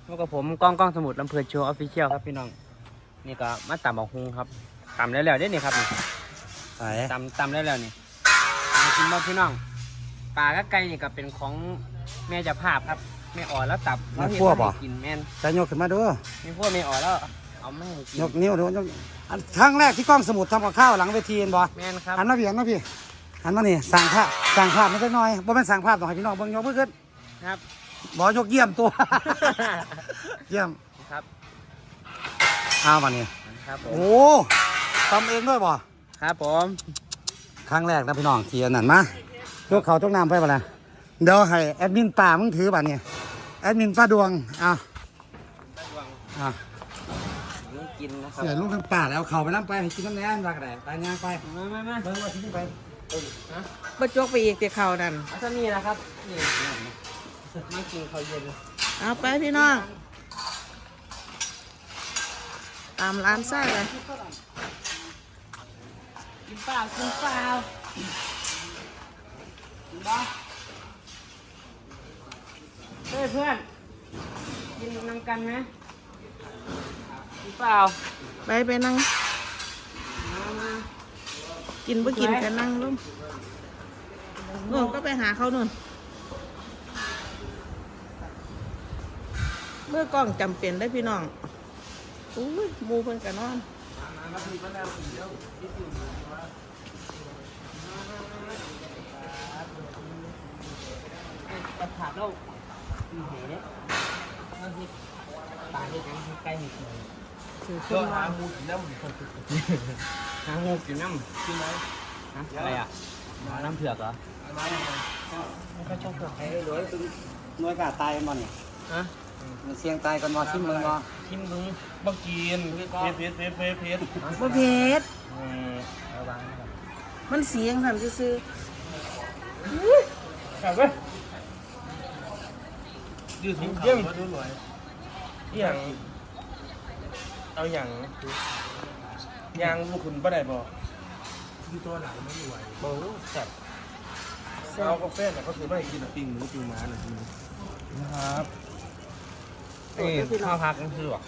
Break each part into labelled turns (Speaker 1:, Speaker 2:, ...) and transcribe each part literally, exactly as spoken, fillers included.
Speaker 1: พวกกับผมก้องก้องสมุดลำเพลินโชว์ออฟฟิเชียลครับพี่น้องนี่ก็มาตำบักฮุงครับตำได้แล้วได้นี่ครับนี่ตำตำได้แล้วนี่มากินบ้างพี่น้องปลากับไก่นี่ก็เป็นของแม่เจ้าภาพครับแม่อ่อนแล้วตับแล้วเห็นว่ากินแม่น
Speaker 2: จะยกขึ้นมาดู
Speaker 1: มีพวกแม่อ่อนแล้วเอาไม่ให้กิน
Speaker 2: ยกนิ้วดูยกอันครั้งแรกที่กล้องสมุดทำกับข้าวหลังเวทีเห็นบ่
Speaker 1: แม่นครับ
Speaker 2: หันมาพี่หันมาพี่หันมานี่สั่งภาพสั่งภาพไม่ได้น้อยบ่เป็นสั่งภาพต้องให้พี่น้องเบิ่งยกมือขึ้น
Speaker 1: ครับ
Speaker 2: บ่ยกเยี่ยมตัว เยี่ยม
Speaker 1: ครับ
Speaker 2: อ้าวมานี่
Speaker 1: ครับผม
Speaker 2: โอ้ทำเองด้วยบ่
Speaker 1: ครับผม
Speaker 2: ครั้งแรกนะพี่น้องที่อันนั้นมายกเขาจกน้ำไปบ่ล่ะเดี๋ยวให้แอดมินป่ามึงถือบ่เนี่ยแอดมินป้าดวงอ้าวอ้าว
Speaker 1: กินนะครับ
Speaker 2: เสือลูกทั้งป่าแล้วเขาไปน้ำไปให้กินน้ำแน่นรักแดดไปงานไป
Speaker 1: มามามา
Speaker 2: เบิ่งว่าทิ้งไป
Speaker 1: ฮะ
Speaker 3: บ่จกไปอีกแต่เขานั่น
Speaker 1: เอาซะนี่นะครับนี่มากินข้าวเย็น
Speaker 3: เอาไปพี่น้องตามร้านไส้เลย
Speaker 1: กินเปล่ากินเปล่ากินบ้าเฮ้ยเพื่อนกินน้ำกันไหมกินเปล่า
Speaker 3: ไปไปนั่ง
Speaker 1: มามา
Speaker 3: กินบ่กินกันนั่งลุ่มเออก็ไปหาเขาหน่นเมื่อกล้องจำเป็นได้พี่น้องอุ้ยหมูเพิ่นกันนอน
Speaker 1: กระถางเรามีเหเนี่ยเอาสิตาเห็ดยังใกล้เห็ดเลย
Speaker 3: ถือ
Speaker 1: ก็
Speaker 3: ขึ้น
Speaker 1: หา
Speaker 3: มา
Speaker 1: หมูกินน้ำหาหมูกินน้ำกินไหมฮะอะไรอ่ะน้ำเผือกเหรอไม่ค่อยชอบเผือก
Speaker 2: เฮ้ยรวยตึงหน่วยกาตายมันนี่
Speaker 1: ฮะ
Speaker 2: มันเสียงตายกันมาชิมมึงบ่
Speaker 1: ชิมมึง
Speaker 4: บักกินเพชรเพชรเพชรเพชรเพชร
Speaker 3: บ่เผ็ด
Speaker 1: ระวังนะครับ
Speaker 3: มันเสียงสั่นซื่อ
Speaker 1: ครับเว้ย
Speaker 4: ยืดถุงเยี่ยมมาดูหน่อยอย่างเอาอย่างยางลูกคุณป้าได้บ่ที่ตัวไหนไม่ไหว
Speaker 1: โอ้แซ่บ
Speaker 4: เอากาแฟเนี่ยเขาซื้อมาให้กินปิ้งหรือปิ้งม้าหน่อย
Speaker 1: นะครับนี่ข้าวพักก็คือว่ะ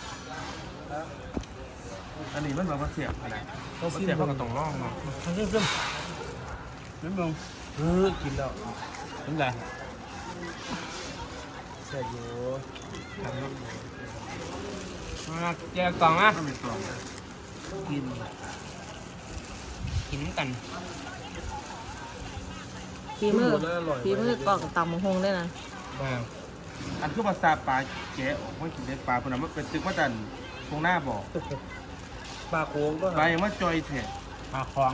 Speaker 4: อันนี้มันแบบว่าเสียบอะไรต้องเสียบมันก็ต้องร่องเนาะ
Speaker 1: ซึมซึมซึมซึมมึง
Speaker 4: เออกินแล้ว
Speaker 1: ซึมอะไร
Speaker 4: เสียอยู่
Speaker 1: มาเจอกล่องอ่ะ
Speaker 4: ต้องมีกล่องกิน
Speaker 1: กินกัน
Speaker 3: ๆฝีมือฝีมือกล้องตำบักหงได้นะ
Speaker 4: อันคือภาษาปลาแกะว่ากินเล็กปลาคนนั้นมันเป็นตึกว่าจันตรงหน้าบอก
Speaker 1: ปลาโค้งก็
Speaker 4: ปลายังว่าจอยแท้
Speaker 1: ปลาของ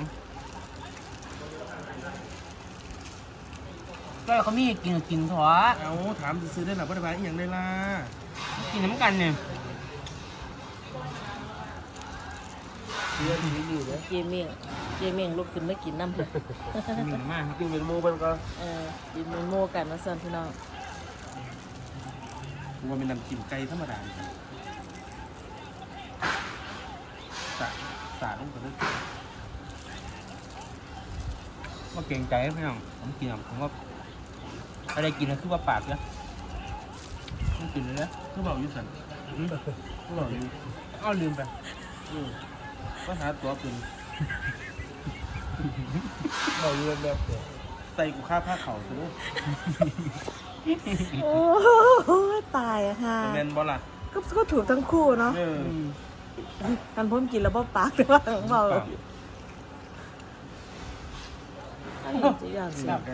Speaker 1: ก็เขามีกินกินถั่ว
Speaker 4: เอาถามซื้อได้หรอว่าได้ปลาอีกอย่างได้ล่ะ
Speaker 1: กินน้ำกันเนี่ย
Speaker 4: เสียดีอยู่เลย
Speaker 3: เจเมี่ยงเจเมี่ยงลุกขึ้นมากินน้ำเพิ่น
Speaker 1: มีมากครับ
Speaker 4: กินเป็นโมเป็นก็
Speaker 3: เออกินเป็นหมูกันว่าซั่นพี่น้อง
Speaker 4: ว่าเป็นน้ำจิ้มไก่ธรรมดาสาสาลงไปเลย
Speaker 1: ว่าเก่งใจพี่น้องผมกินอ่ะผมว่าอะไรกินนะคือว่าปากเนี่ยต้องกินเลยนะ
Speaker 4: คือบอกอยู่สันคือบอกอยู่
Speaker 1: อ้าวลืมไป
Speaker 4: ก็หาตัวเป็น
Speaker 1: บอกลืมแบบ
Speaker 4: ใส่กูค่าผ้าเข่าซะด้วย
Speaker 3: โอ้ตายอะค่ะ
Speaker 4: แมนบอล่ะ
Speaker 3: ก็ก็ถูกทั้งคู่เนาะ
Speaker 4: เออ
Speaker 3: กันพ้นกินแล้วบ่ปากแต่ว่าของเบาอันนี้จะอย่างสิ
Speaker 4: ไก่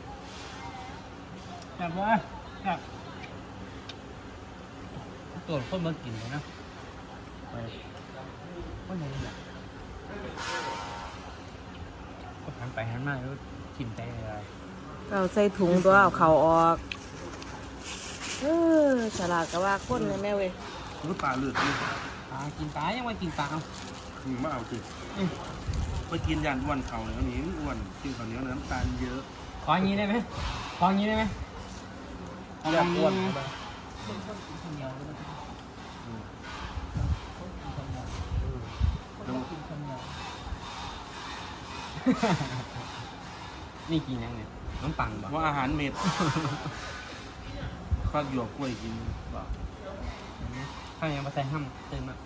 Speaker 1: แบบว่าแบบตัวคนมากินเลยนะไปก็ยังแบบก็หันไปหันมาแล้วกินใจอะไร
Speaker 3: เอาใส่ถุงตัวเอาเข่าออกเออฉลาดก็ว่าคนเลยแม่เว้ย
Speaker 4: รู้ปลาเลือดนี่
Speaker 1: ปลากินปลายังไม่กินปลาเอา
Speaker 4: มึงมาเอาสิไปกินยันอ้วนเข่าเลยอันนี้อ้วนกินข้าวเหนียวน้ำตาลเยอะ
Speaker 1: ขออย่างนี้ได้ไหมขออย่างนี้ได้ไหม
Speaker 4: อยากอ้วน
Speaker 1: นี่กินยังเนี่ยน้ำปังบ่
Speaker 4: ว่าอาหารเม็ดฟักหยวกกล้วยกินบ่
Speaker 1: ข้าวยังมาใส่ห้ำเต็มอ่ะ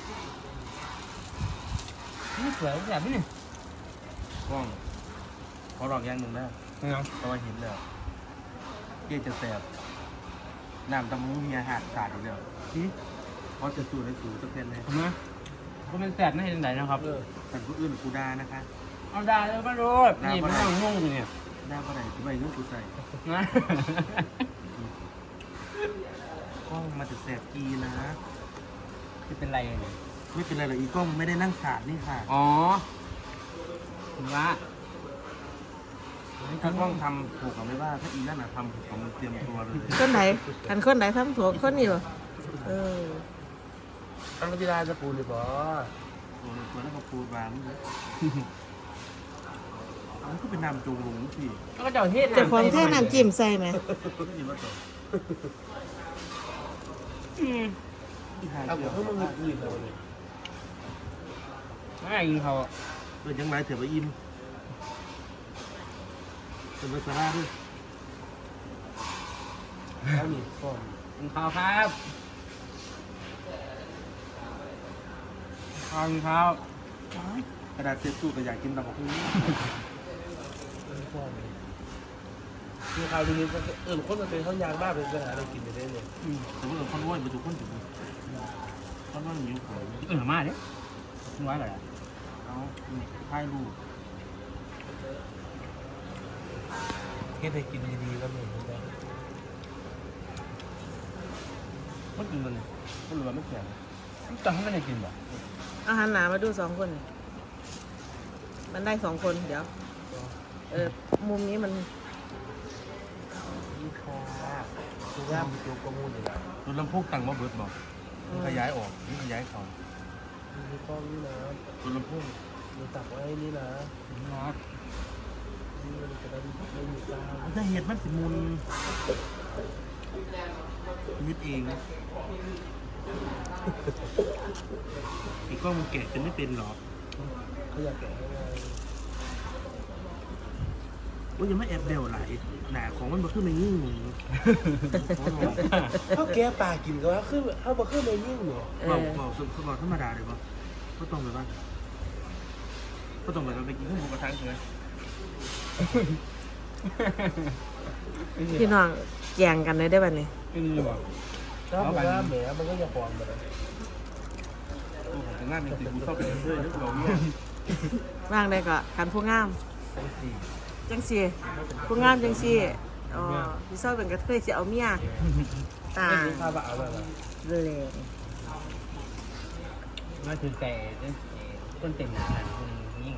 Speaker 1: นี่สวยแบบนี้
Speaker 4: กล้องขอลองอย่างหนึ่งนะ
Speaker 1: นี่เนาะ
Speaker 4: เพราะว่าเห็นแล้วเกี่ยจะแสบน้ำตำมูมีอาหารขาดอยู่แล้ว
Speaker 1: อืม
Speaker 4: เพราะจะสูดได้สูดจะเป็นเลย
Speaker 1: ทำไมก็เป็นแสบไม่เห็นไหนนะครับ
Speaker 4: แต่ผู้อื่นกูดานะคะ
Speaker 1: เอาได้เลยมาดูนี่มันนั่งงงอยู่เนี่ย
Speaker 4: ได้ปะไหนทำไมเรื่องกูใส่
Speaker 1: นะ
Speaker 4: กล้องมาจะแสบกีนะ
Speaker 1: จะเป็นไรเนี่ย
Speaker 4: ไม่เป็นไรหรอกอีกล้องไม่ได้นั่งขาดนี่ค่ะ
Speaker 1: อ๋อถึงว่า
Speaker 4: ถ้ากล้องทำถูกกับไม่ว่าถ้าอีนั่นน่ะทำถูกกับมันเตรียมตัวเลย
Speaker 3: คนไหนกันคนไหนทำถูกคนนี้บ่เออ
Speaker 4: ตั้งที่ได้จะปูหรือเปล่าตัวตัวแล้วก็ปูบางเลยมันก็เป็นน้ำจงหลงสิ
Speaker 1: แล้วก็เจ้าเทศ
Speaker 3: เจ้าของแท่น้ำจิ้มใส่ไหม
Speaker 4: ก็ยินว่าต่อ
Speaker 1: อืม
Speaker 4: ที่หายเดียวเพิ่มมันอื่นเลย
Speaker 1: ไม่กินเขา
Speaker 4: เป็นยังไงเถอะไปอิ่มเป็นภาษาด้วยแล้วนี่ฟอม
Speaker 1: กินข้าวครับข้าวกินข้าว
Speaker 4: กระดาษเช็ดตู้ก็อยากกินตำบักหุ่ง
Speaker 5: คือข่าวดีก็เออคนมันเป็นเขายางบ้าเป็นปัญหาอะไรกินไปได้เลย
Speaker 4: แต่ว่าคนว้ยไปถูกคนถูกคนว่าหิวของ
Speaker 1: เออมาเด้มึงว่าอะไร
Speaker 4: เอาถ่ายรูป
Speaker 5: เฮ็ดให้กินดีๆก็ไม่เห็นได้
Speaker 4: มันกินมันมันหรือว่าไม่แข็ง
Speaker 1: จะให้มันได้กินบ่
Speaker 3: อาหารหนามาดูสองคน มันได้สองคนเดี๋ยว เออมุมนี้มัน
Speaker 5: นี่ค่ะคือย่ามตัวกระมูลเลยนะ
Speaker 4: รถลำโพงตั้งมาเบิดบอกมันขยายออกมันขยายเขา
Speaker 5: มีข้อนี้นะ
Speaker 4: รถลำโพง
Speaker 5: มีตักไว้นี่นะ
Speaker 1: ครับ
Speaker 5: นี่มันจะได้ไม่มีกาว
Speaker 4: มันจะเห็ดมันสิมุนยึดเองอีกกล้องมันแกะจะไม่เป็นหรอ
Speaker 5: เขาอยากแกะให้ไง
Speaker 4: ว่ายังไม่แอบเดวไหลหนาของมันมาขึ้นมายิ่ง
Speaker 5: เขาแก้ปลากินก็ว่าคือเขาบอกคือไม่ยิ่งเนี่ย
Speaker 3: เอ
Speaker 4: เรา
Speaker 3: อ
Speaker 4: เราสุดเราธรรมดาเลยปะก็ต้องไปบ้างก็ต้องไปเราไปกินข้าวหมูกระทะใช่ไหม
Speaker 3: พี่น้องแกงกันเลยได้ป่ะเนี่ย
Speaker 1: กินอยู่บ่
Speaker 5: ถ้ามันว่าแหมมันก็จะปลอมไปเลย
Speaker 4: โอ้โหแต่งานจริงๆกูชอบไปเรื่อยๆนึกเราเนี่ย
Speaker 3: ว่างได้ก็กันผู้งาม
Speaker 5: ทั้งสี่
Speaker 3: จังสีผู้งามจังสีอ๋อพี่เศร้าเป็นกระเทยจะเอาเมียตา
Speaker 5: ไม่มีข้าวบะเอาแบบ
Speaker 3: เลย
Speaker 1: มาถือไก่ต้นเต็มหนาคนยิ่ง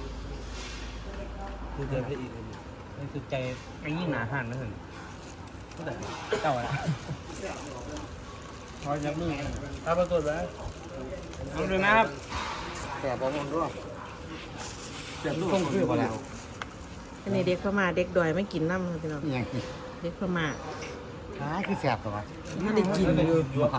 Speaker 5: คือเดินไปอีก
Speaker 1: มันถือใจไอ้ยิ่งหนาหันนะถึงก็แต่เจ้าละพอจะมือ
Speaker 5: ถ้าปรากฏว่า
Speaker 1: เอาดูนะครับ
Speaker 2: แต่บอลด้วย
Speaker 4: เจ็บตัว
Speaker 2: ต้องคือบ่แล้ว
Speaker 3: อันนี้เด็กพม่าเด็กดอยไม่กินน้ำครับพี่น้อง
Speaker 2: อย่างนี้
Speaker 3: เด็กพม่า
Speaker 2: หาคือแสบตัว
Speaker 3: ไม่ได้กินเลย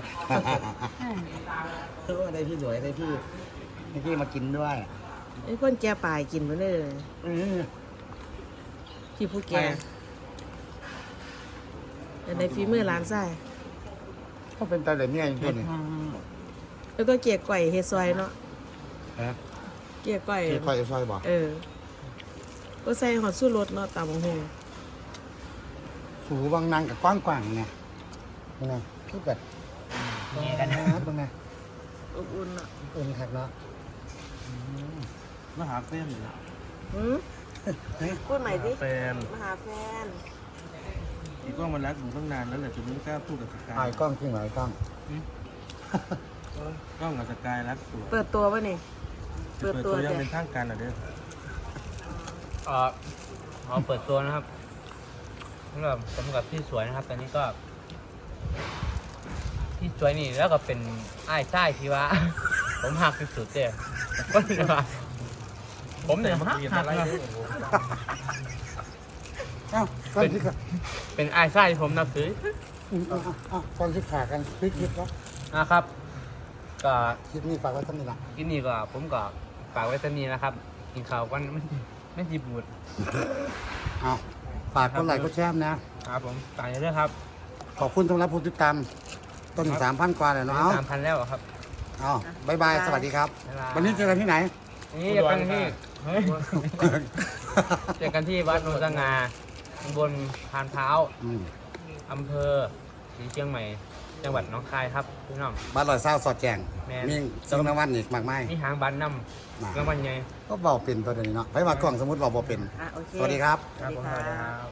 Speaker 2: เออได้พี่สวยได้พี่ได้พี่มากินด้วย
Speaker 3: ไอ้คนแก่ปลายกินไปเลย
Speaker 2: อือ
Speaker 3: พี่ผู้แก่แต่ในฝีมือร้านไส้
Speaker 2: เขาเป็นตาเหลืองเนี่ยจริง
Speaker 3: แล้วก็เกี๊ยวก่อยเฮดซอยเนาะ
Speaker 2: ๆฮะ
Speaker 3: เกี๊ยวก่อย
Speaker 2: ที่คอยซอยบอก
Speaker 3: เออก็ใส่หอดสู้รสเนาะตามของหง
Speaker 2: สูบางนางกับกว้างกว่างไงเป็นไงคือแบบ
Speaker 1: นี่กันนะ
Speaker 2: เป็นไง
Speaker 3: อบอุ่นเนาะ
Speaker 2: อุ่นคักเนาะ
Speaker 4: มาหาแฟนเลย
Speaker 3: หืมพูดใหม่ดิ
Speaker 4: แฟน
Speaker 3: มาหาแฟน
Speaker 4: อีกกล้องมันรักหนูตั้งนานแล้วแหละจนไม่กล้าพูดกับสกา
Speaker 2: ถ่าย
Speaker 4: ย
Speaker 2: กล้องจริงเหรอไอ้กล้อง
Speaker 4: กล้องกับสกายรักตัว
Speaker 3: เปิดตัวป่ะนี่ เปิดตัว
Speaker 4: ยัง
Speaker 3: เดี๋ยว
Speaker 4: เป็นทางการอ่ะเด้อ
Speaker 1: เออขอเปิดตัวนะครับสำหรับสำหรับที่สวยนะครับ ตอนนี้ก็ ที่สวยนี่แล้วก็เป็นไอ้ายไส้ที่ว่า ผมหักที่สุดเลยก็คือว่าผมเนี่ยหักหักนะ
Speaker 2: เอ้าก้อนที่ขา
Speaker 1: เป็นไอ้ายไส้ที่ผมนับถือ
Speaker 2: อืมเอ้าเอ้าก้อนที่ขากันพลิกคลิปแล้ว
Speaker 1: นะครับ ก็
Speaker 2: คลิปนี้ฝากไว้ท่านนี้ละ
Speaker 1: กินนี่ก็ผมก็ฝากไว้ตอนนี้นะครับ กินข้าวกันไม่ไม่จีบูด
Speaker 2: เอาฝากคนไหลค์ก็แชร์นะครับ
Speaker 1: ผมตายเรื่อยๆครับ
Speaker 2: ขอบคุณสำหรับผู้ติดตามต้นสามพันกว่าเลยเนาะเอา
Speaker 1: สามพันแล้วอะครับ
Speaker 2: เอาบายบายสวัสดีครับ
Speaker 1: บ๊ายบาย
Speaker 2: วันนี้เจอกันที่ไหน
Speaker 1: นี่เจอกันที่เฮ้ยเจอกันที่วัดโนนสง่าตำบลพานเท้า
Speaker 2: อืม
Speaker 1: อำเภอศรีเชียงใหม่ จังหวัดหนองคายครับพี่น้อง
Speaker 2: บ้านลอยเศร้าสอดแจง
Speaker 1: แม่น
Speaker 2: มีสิ่งรางวัลอีกมากมาย
Speaker 1: มีหางบันน้
Speaker 2: นะ
Speaker 1: ำรางวัลใหญ่
Speaker 2: ก็เบาเป็นตัวเดียวนี้เนาะไปมากล่องสมมติเราเบาเป็น
Speaker 3: อ่ะโอเค
Speaker 2: สวัสดีครับ
Speaker 3: สวัสดีค่ะ